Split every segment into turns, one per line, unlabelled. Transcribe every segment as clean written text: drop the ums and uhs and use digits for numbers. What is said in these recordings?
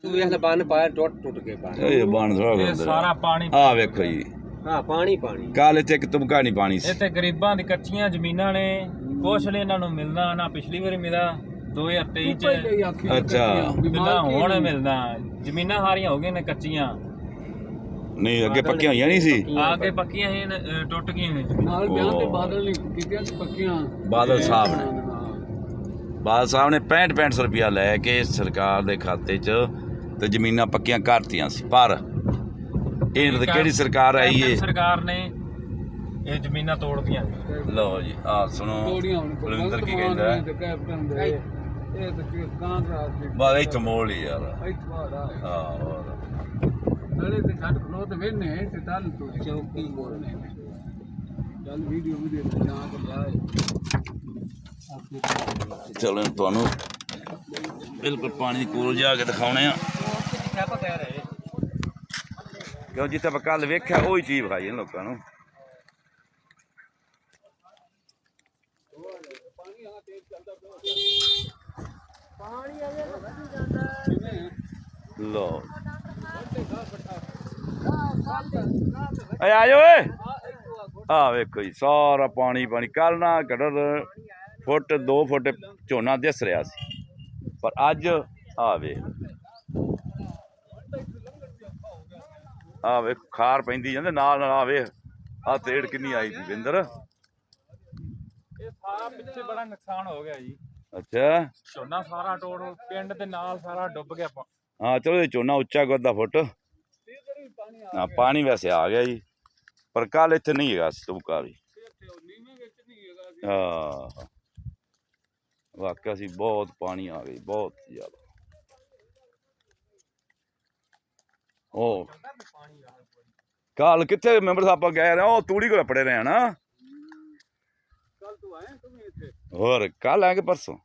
ਵੇਖ ਲੈ ਬੰਨ ਪਾਇਆ ਟੁੱਟ ਕੇ ਬੰਨ।
ਇਹ ਬਣ ਥੋੜਾ
ਇਹ ਸਾਰਾ ਪਾਣੀ
ਆ ਵੇਖੋ ਜੀ,
ਹਾਂ ਪਾਣੀ ਪਾਣੀ।
ਕੱਲ ਇੱਥੇ ਇੱਕ ਤੁਮਕਾ ਨਹੀਂ ਪਾਣੀ ਸੀ।
ਇੱਥੇ ਗਰੀਬਾਂ ਦੀ ਕੱਚੀਆਂ ਜ਼ਮੀਨਾਂ ਨੇ, ਕੁਛ ਨੇ ਇਹਨਾਂ ਨੂੰ ਮਿਲਣਾ ਨਾ ਪਿਛਲੀ ਵਾਰੀ ਮਿਲਾ 2023 ਚ
ਅੱਛਾ
ਨਾ ਹੁਣ ਮਿਲਣਾ। ਜ਼ਮੀਨਾਂ ਸਾਰੀਆਂ ਹੋ ਗਈਆਂ ਨੇ ਕੱਚੀਆਂ,
ਨਹੀਂ ਅੱਗੇ ਪੱਕੀਆਂ ਹੋਈਆਂ ਨਹੀਂ ਸੀ।
ਆ ਕੇ ਪੱਕੀਆਂ ਸੀ ਟੁੱਟ ਗਈਆਂ ਨੇ।
ਨਾਲ ਵਿਆਹ ਤੇ ਬਾਦਲ ਨਹੀਂ ਕੀਤੀਆਂ ਪੱਕੀਆਂ।
ਬਾਦਲ ਸਾਹਿਬ ਨੇ 65 ਰੁਪਇਆ ਲੈ ਕੇ ਸਰਕਾਰ ਦੇ ਖਾਤੇ 'ਚ ਤੇ ਜ਼ਮੀਨਾਂ ਪੱਕੀਆਂ ਕਰਤੀਆਂ ਸੀ। ਪਰ ਇਹ ਤੇ ਕਿਹੜੀ ਸਰਕਾਰ ਆਈ ਏ?
ਸਰਕਾਰ ਨੇ ਇਹ ਜ਼ਮੀਨਾਂ ਤੋੜਦੀਆਂ ਨੇ।
ਲਓ ਜੀ ਆ ਸੁਣੋ ਬਲਵਿੰਦਰ ਕੀ ਕਹਿੰਦਾ ਹੈ।
ਕੈਪਟਨ ਦੇ ਇਹ ਤੇ ਕਾਂਗਰਸ ਦੇ
ਬਸ ਇੱਥੇ ਮੋੜ ਹੀ ਯਾਰ।
ਇੱਥੇ ਬਾੜਾ
ਹਾਂ ਹੋਰ
ਨਾਲੇ ਤੇ ਛੱਡ ਖਲੋ ਤੇ ਵੇਨੇ ਤੇ ਤਲ ਤੋਂ ਚੌਕੀ ਬੋਲਨੇ ਚੱਲ ਵੀਡੀਓ ਵੀ ਦੇ ਨਾ ਕਰ
ਚਲੋ ਤੁਹਾਨੂੰ ਬਿਲਕੁਲ ਪਾਣੀ ਦੀ ਕੋਲ ਜਾ ਕੇ ਦਿਖਾਉਣੇ ਆ, ਕਿਉਂ ਜਿੱਥੇ ਆਪਾਂ ਕੱਲ ਵੇਖਿਆ ਉਹੀ ਚੀਜ਼ ਵਿਖਾਈ ਇਹਨਾਂ ਲੋਕਾਂ ਨੂੰ। ਲੋ ਆ ਜਾਓ ਓਏ, ਆ ਵੇਖੋ ਜੀ ਸਾਰਾ ਪਾਣੀ ਪਾਣੀ। ਕੱਲ ਨਾ ਘੱਟੋ ਫੁੱਟ 2 ਫੁੱਟ ਝੋਨਾ ਦਿਸ ਰਿਹਾ ਸੀ, ਪਰ ਅੱਜ ਆ ਵੇਖ ਖਾਰ ਪੈਂਦੀ ਜਾਂਦੇ ਨਾਲ ਨਾਲ। ਆ ਵੇਖ ਆ ਤੇੜ ਕਿੰਨੀ ਆਈ ਸੀ ਵਿੰਦਰ।
ਇਹ ਸਾਰਾ ਪਿੱਛੇ ਬੜਾ ਨੁਕਸਾਨ ਹੋ ਗਿਆ ਜੀ।
ਅੱਛਾ
ਝੋਨਾ ਸਾਰਾ ਟੋੜ ਪਿੰਡ ਦੇ ਨਾਲ ਸਾਰਾ ਡੁੱਬ ਗਿਆ।
ਹਾਂ ਚਲੋ ਇਹ ਝੋਨਾ ਉੱਚਾ ਕਰਦਾ ਫੁੱਟ। ਹਾਂ ਪਾਣੀ ਵੈਸੇ ਆ ਗਿਆ ਜੀ, ਪਰ ਕੱਲ ਇੱਥੇ ਨਹੀਂ ਹੈਗਾ ਤੁਮਕਾ ਵੀ। ਹਾਂ ਵਾਕਿਆ ਸੀ ਬਹੁਤ ਪਾਣੀ ਆ ਗਈ, ਬਹੁਤ ਜ਼ਿਆਦਾ। ਉਹ ਕੱਲ ਕਿੱਥੇ ਮੈਂਬਰ ਸਾਹਿਬ ਗਏ ਰਹੇ? ਉਹ ਤੂੜੀ ਕੋਲ ਪੜੇ ਰਹੇ ਨਾ।
ਕੱਲ ਤੂੰ ਆਇਆ ਤੂੰ ਇੱਥੇ?
ਹੋਰ ਕੱਲ ਆਏ ਕਿ ਪਰਸੋਂ?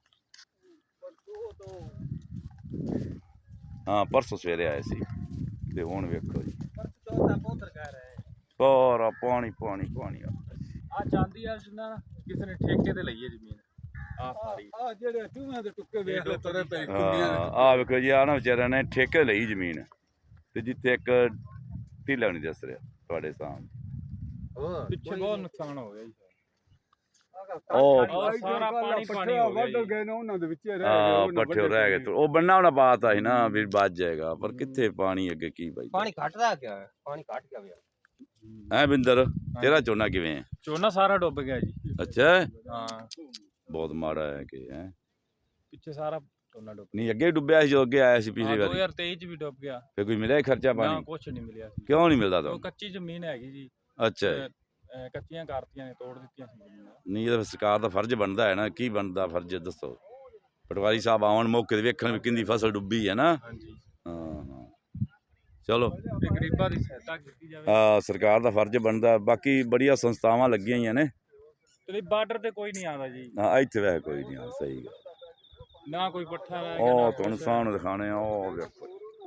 ਹਾਂ ਪਰਸੋਂ ਸਵੇਰੇ ਆਏ ਸੀ। ਤੇ ਹੁਣ ਵੇਖੋ ਜੀ ਸਾਰਾ ਪਾਣੀ ਪਾਣੀ ਪਾਣੀ
ਆ ਜਾਂਦੀ ਆ ਜਿੰਨਾ ਕਿਸੇ ਨੇ ਠੇਕੇ ਤੇ ਲਈ ਹੈ ਜ਼ਮੀਨ। ਆ ਸਾਰੀ
ਆ ਜਿਹੜੇ ਚੂਹਿਆਂ ਦੇ ਟੁੱਕੇ ਵੇਖ ਲੈ ਤਰੇ ਪਏ
ਆ ਵੇਖੋ ਜੀ, ਆ ਨਾ ਵਿਚਾਰਿਆਂ ਨੇ ਠੇਕੇ ਲਈ ਜ਼ਮੀਨ, ਤੇ ਜਿੱਥੇ ਇੱਕ ਢੀਲਾ ਨਹੀਂ ਦੱਸ ਰਿਹਾ ਤੁਹਾਡੇ ਸਾਹਮਣੇ।
ਪਿੱਛੇ ਬਹੁਤ ਨੁਕਸਾਨ ਹੋ ਗਿਆ ਜੀ।
ਉਹ
ਸਾਰਾ ਪਾਣੀ ਪਾਣੀ ਹੋ ਗਿਆ
ਵੱਢ ਗਏ ਨੇ ਉਹਨਾਂ ਦੇ ਵਿੱਚ ਰਹਿ
ਹਾਂ
ਗਏ।
ਪੱਠੇ ਰਹਿ ਗਏ। ਉਹ ਬੰਨਾ ਉਹਨਾਂ ਬਾਤ ਸੀ ਨਾ ਵੀ ਬਚ ਜਾਏਗਾ, ਪਰ ਕਿੱਥੇ ਪਾਣੀ ਅੱਗੇ ਕੀ ਬਾਈ।
ਪਾਣੀ ਘਟਦਾ ਗਿਆ, ਪਾਣੀ ਘਟ ਗਿਆ।
ਐ ਬਿੰਦਰ ਤੇਰਾ ਝੋਨਾ ਕਿਵੇਂ ਹੈ?
ਝੋਨਾ ਸਾਰਾ ਡੁੱਬ ਗਿਆ ਜੀ।
ਅੱਛਾ
ਹਾਂ
ਬਹੁਤ ਮਾੜਾ ਹੈ ਕਿ ਹੈ।
ਪਿੱਛੇ ਸਾਰਾ ਝੋਨਾ ਡੁੱਬ
ਨਹੀਂ ਅੱਗੇ ਡੁੱਬਿਆ ਸੀ ਜੋ ਅੱਗੇ ਆਇਆ ਸੀ ਪਿਛਲੀ ਵਾਰੀ।
2023 ਚ ਵੀ ਡੁੱਬ ਗਿਆ।
ਫੇ ਕੋਈ ਮਿਲਿਆ ਖਰਚਾ
ਨਾ
ਪਾਣੀ?
ਕੁਛ ਨਹੀਂ ਮਿਲਿਆ ਸੀ।
ਕਿਉਂ ਨਹੀਂ ਮਿਲਦਾ
ਉਹ
ਤੁਹਾਨੂੰ?
ਕੱਚੀ ਜ਼ਮੀਨ ਹੈਗੀ ਜੀ।
ਅੱਛਾ
ਕੱਚੀਆਂ ਕਰਤੀਆਂ ਨੇ, ਤੋੜ ਦਿੱਤੀਆਂ ਸੀ ਜ਼ਮੀਨਾਂ।
ਨਹੀਂ ਇਹ ਸਰਕਾਰ ਦਾ ਫਰਜ਼ ਬਣਦਾ ਹੈ ਨਾ। ਕੀ ਬਣਦਾ ਫਰਜ਼ ਦੱਸੋ? ਪਟਵਾਰੀ ਸਾਹਿਬ ਆਉਣ ਮੌਕੇ ਤੇ ਵੇਖਣ ਵੀ ਕਿੰਨੀ ਫਸਲ ਡੁੱਬੀ ਹੈ ਨਾ।
ਹਾਂਜੀ
ਹਾਂ ਚਲੋ
ਤੇ ਗਰੀਬਾਂ ਦੀ ਸਹਾਇਤਾ ਕੀਤੀ ਜਾਵੇ।
ਸਰਕਾਰ ਦਾ ਫਰਜ਼ ਬਣਦਾ। ਬਾਕੀ ਬੜੀਆਂ ਸੰਸਥਾਵਾਂ ਲੱਗੀਆਂ ਹੋਈਆਂ ਨੇ।
ਤੇ ਬਾਰਡਰ ਤੇ ਕੋਈ ਨਹੀਂ ਆਉਂਦਾ ਜੀ।
ਹਾਂ ਇੱਥੇ ਵੈਸੇ ਕੋਈ ਨਹੀਂ ਆ। ਸਹੀ ਗੱਲ।
ਨਾ ਕੋਈ ਪੱਠਾ ਰਹਿ ਗਿਆ,
ਉਹ
ਨਾ
ਤੁਹਾਨੂੰ
ਕੁਛ।
ਸਾਹਮਣੇ ਦਿਖਾਣੇ ਆ। ਉਹ ਵੇਖੋ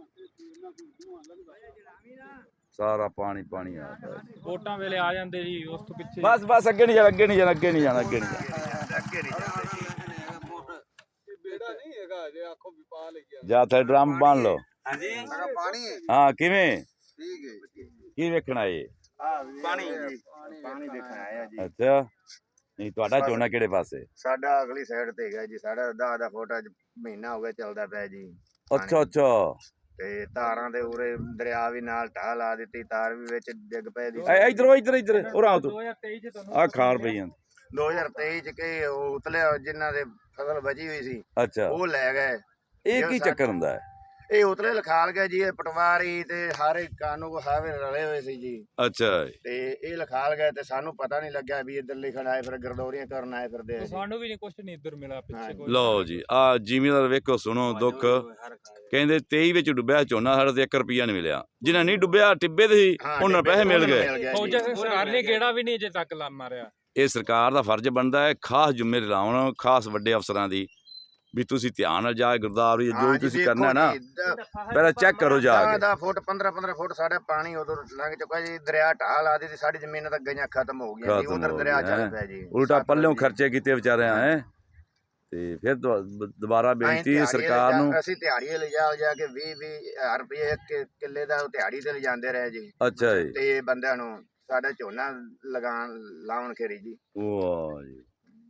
ਸਾਰਾ ਪਾਣੀ ਪਾਣੀ ਆ ਪਿਆ।
ਵੋਟਾਂ ਵੇਲੇ ਆ ਜਾਂਦੇ ਜੀ, ਉਸ ਤੋਂ ਪਿੱਛੇ
ਬਸ ਬਸ ਅੱਗੇ ਨਹੀਂ ਜਾਣਾ, ਅੱਗੇ ਨਹੀਂ ਜਾਣਾ, ਅੱਗੇ ਨਹੀਂ ਜਾਣਾ, ਅੱਗੇ ਨਹੀਂ ਜਾਣਾ, ਅੱਗੇ ਨਹੀਂ ਜਾਣਾ।
ਬੇੜਾ ਨਹੀਂ ਹੈਗਾ ਜੇ ਆਖੋ ਵੀ ਪਾ ਲਿਆ
ਜਾ ਤੇ ਡਰਮ ਬੰਨ ਲਓ।
ਹਾਂਜੀ
ਪਾਣੀ ਹੈ
ਹਾਂ ਕਿਵੇਂ
ਠੀਕ ਹੈ।
ਕੀ ਵੇਖਣਾ ਏ?
ਪਾਣੀ ਪਾਣੀ ਦੇਖਣ ਆਇਆ ਜੀ।
ਅੱਛਾ ਨਹੀਂ ਤੁਹਾਡਾ ਝੋਨਾ ਕਿਹੜੇ ਪਾਸੇ?
ਸਾਡਾ ਅਗਲੀ ਸਾਈਡ ਤੇ ਹੈਗਾ ਜੀ। ਸਾਡਾ 10 ਫੁੱਟ ਅੱਜ ਮਹੀਨਾ ਹੋ ਗਿਆ ਚੱਲਦਾ ਪਿਆ ਜੀ।
ਅੱਛਾ ਅੱਛਾ
ਤੇ ਤਾਰਾਂ ਦੇ ਉਰੇ ਦਰਿਆ ਵੀ ਨਾਲ ਢਾਹ ਲਾ ਦਿੱਤੀ, ਤਾਰ ਵੀ ਵਿੱਚ ਡਿੱਗ ਪਏ ਦੀ।
ਇਧਰੋਂ ਇੱਧਰ ਇੱਧਰ ਉਰਾ ਤੂੰ
2023 ਚ ਤੁਹਾਨੂੰ
ਆ ਖਾਰ ਪਈ ਜਾਂਦੀ।
2023 ਚ ਕਿ ਉਹ ਉਤਲੇ ਜਿਨ੍ਹਾਂ ਦੇ ਫਸਲ ਬਚੀ ਹੋਈ ਸੀ
ਅੱਛਾ
ਉਹ ਲੈ ਗਏ।
ਇਹ ਕੀ ਚੱਕਰ ਹੁੰਦਾ ਹੈ?
ਇਹ ਉਤਲੇ ਲਿਖਾਲ ਗਏ ਜੀ। ਇਹ ਪਟਵਾਰੀ ਤੇ ਹਾਰੇ ਕਾਨੂੰਨ ਹਾਵੇ ਰਲੇ ਹੋਏ ਸੀ ਜੀ।
ਅੱਛਾ
ਤੇ ਇਹ ਲਿਖਾਲ ਗਏ ਤੇ ਸਾਨੂੰ ਪਤਾ ਨਹੀਂ ਲੱਗਿਆ ਵੀ ਇੱਧਰ ਲਿਖਣ ਆਏ, ਫਿਰ ਗਰਦੌਰੀਆਂ ਕਰਨ ਆਏ ਫਿਰਦੇ ਆ ਜੀ।
ਸਾਨੂੰ ਵੀ ਨਹੀਂ ਕੁਛ ਨਹੀਂ ਇੱਧਰ ਮਿਲਿਆ ਪਿੱਛੇ ਕੋਈ।
ਲਓ ਜੀ ਆ ਜ਼ਿਮੀਦਾਰ ਵੇਖੋ ਸੁਣੋ ਦੁੱਖ। ਕਹਿੰਦੇ 23 ਵਿੱਚ ਡੁੱਬਿਆ ਝੋਨਾ, ਸਾਡਾ ਤੇ 1 ਰੁਪਿਆ ਨਹੀਂ ਮਿਲਿਆ। ਜਿਹਨਾਂ ਨਹੀਂ ਡੁੱਬਿਆ ਟਿੱਬੇ ਦੇ ਸੀ ਉਹਨਾਂ ਪੈਸੇ ਮਿਲ ਗਏ।
ਫੌਜਾਂ ਸਰਕਾਰ ਨੇ ਗੇੜਾ ਵੀ ਨਹੀਂ ਅਜੇ ਤੱਕ ਲਾ ਮਾਰਿਆ।
ਇਹ ਸਰਕਾਰ ਦਾ ਫਰਜ਼ ਬਣਦਾ ਹੈ ਖਾਸ ਜ਼ਿੰਮੇਵਾਰੀ ਲਾਉਣ ਖਾਸ ਵੱਡੇ ਅਫਸਰਾਂ ਦੀ, ਵੀ ਤੁਸੀਂ ਧਿਆਨ ਨਾਲ ਜਾ ਗਿਰਦਾਵਰੀ ਜੋ ਤੁਸੀਂ ਕਰਨਾ ਹੈ ਨਾ ਪਹਿਲਾਂ ਚੈੱਕ ਕਰੋ ਜਾ ਕੇ।
10 ਫੁੱਟ 15 ਫੁੱਟ ਸਾਡਾ ਪਾਣੀ ਉਦੋਂ ਲੰਘ ਚੁੱਕਾ ਜੀ। ਦਰਿਆ ਢਾਹ ਲਾ ਦਿੱਤੀ, ਸਾਡੀ ਜ਼ਮੀਨਾਂ ਤਾਂ ਗਈਆਂ ਖਤਮ ਹੋ ਗਈਆਂ ਜੀ। ਉਧਰ ਦਰਿਆ ਚੱਲ ਪਿਆ ਜੀ।
ਉਲਟਾ ਪੱਲਿਓਂ ਖਰਚੇ ਕੀਤੇ ਵਿਚਾਰਿਆਂ ਹੈ। ਤੇ ਫਿਰ ਦੁਬਾਰਾ ਬੇਨਤੀ
ਅਸੀਂ ਦਿਹਾੜੀ
ਸਰਕਾਰ ਨੂੰ।
ਅਸੀਂ ਦਿਹਾੜੀ ਲਿਜਾ ਕੇ 20-20 ਰੁਪਏ ਇੱਕ ਕਿੱਲੇ ਦਾ ਦਿਹਾੜੀ ਤੇ ਲਿਜਾਂਦੇ ਰਹੇ ਜੀ।
ਅੱਛਾ ਜੀ।
ਤੇ ਬੰਦਿਆਂ ਨੂੰ ਸਾਡਾ ਝੋਨਾ ਲਾਉਣ ਖੇਰੀ ਜੀ।
ਵਾਹ ਜੀ,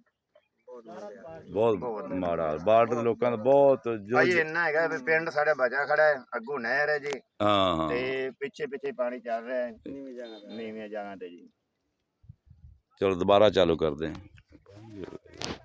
ਬਹੁਤ ਮਾੜਾ ਬਾਰਡਰ ਦੇ ਲੋਕਾਂ ਦਾ ਬਹੁਤ
ਭਾਈ
ਜੋ।
ਇੰਨਾ ਹੈਗਾ ਵੀ ਪਿੰਡ ਸਾਡਾ ਬਚਾ ਖੜਾ ਹੈ, ਅੱਗੋਂ ਨਹਿਰ ਹੈ ਜੀ,
ਹਾਂ ਹਾਂ
ਤੇ ਪਿੱਛੇ ਪਾਣੀ ਚੱਲ ਰਿਹਾ ਹੈ ਨੀਵੀਆਂ ਜਗ੍ਹਾ ਤੇ ਜੀ।
ਚਲੋ ਦੁਬਾਰਾ ਚਾਲੂ ਕਰਦੇ ਹਾਂ।